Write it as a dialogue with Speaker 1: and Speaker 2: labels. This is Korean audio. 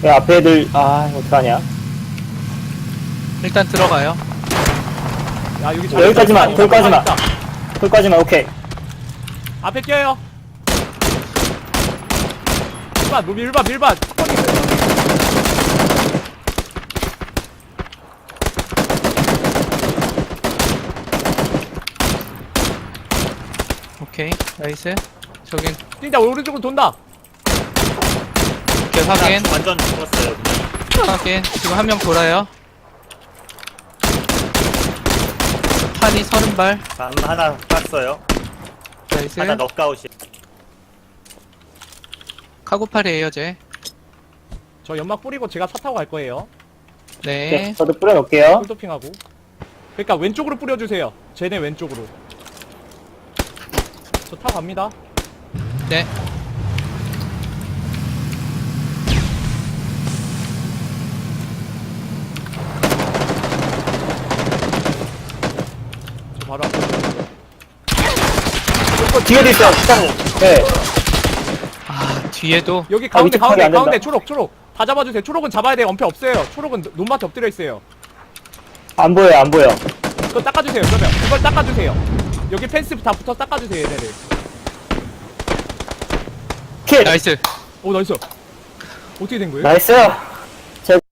Speaker 1: 야, 앞에 애들, 어떡하냐.
Speaker 2: 일단 들어가요.
Speaker 3: 야 여기
Speaker 1: 여기까지만, 거기까지만. 거기까지만, 오케이.
Speaker 3: 앞에 뛰어요. 밀반 밀반.
Speaker 2: 오케이, 나이스. 저긴
Speaker 3: 뛴다. 오른쪽으로 돈다.
Speaker 2: 오케이, 확인.
Speaker 4: 완전 죽었어요. 그냥.
Speaker 2: 확인. 지금 한 명 돌아요. 탄이 30발.
Speaker 4: 하나 땄어요.
Speaker 2: 나이스.
Speaker 4: 하나 넉아웃이.
Speaker 2: 카고팔이에요, 쟤.
Speaker 3: 저 연막 뿌리고 제가 차 타고 갈 거예요.
Speaker 2: 네.
Speaker 1: 네, 저도 뿌려놓을게요.
Speaker 3: 풀도핑하고. 그러니까 왼쪽으로 뿌려주세요. 쟤네 왼쪽으로. 저 타고 갑니다.
Speaker 2: 네.
Speaker 3: 저 바로 앞에.
Speaker 1: 뒤에도 있어요, 네.
Speaker 2: 아, 뒤에도.
Speaker 3: 여기 가운데
Speaker 1: 위쪽 파악이 안 된다.
Speaker 3: 초록. 다 잡아주세요. 초록은 잡아야 돼요. 엄폐 없어요. 초록은 논밭에 엎드려 있어요.
Speaker 1: 안 보여, 안 보여.
Speaker 3: 그거 닦아주세요. 그러면 그걸 닦아주세요. 여기 펜스 다 붙어 닦아주세요. 얘네들.
Speaker 1: 킬!
Speaker 2: 나이스.
Speaker 3: 오 나이스. 어떻게 된 거예요?
Speaker 1: 나이스!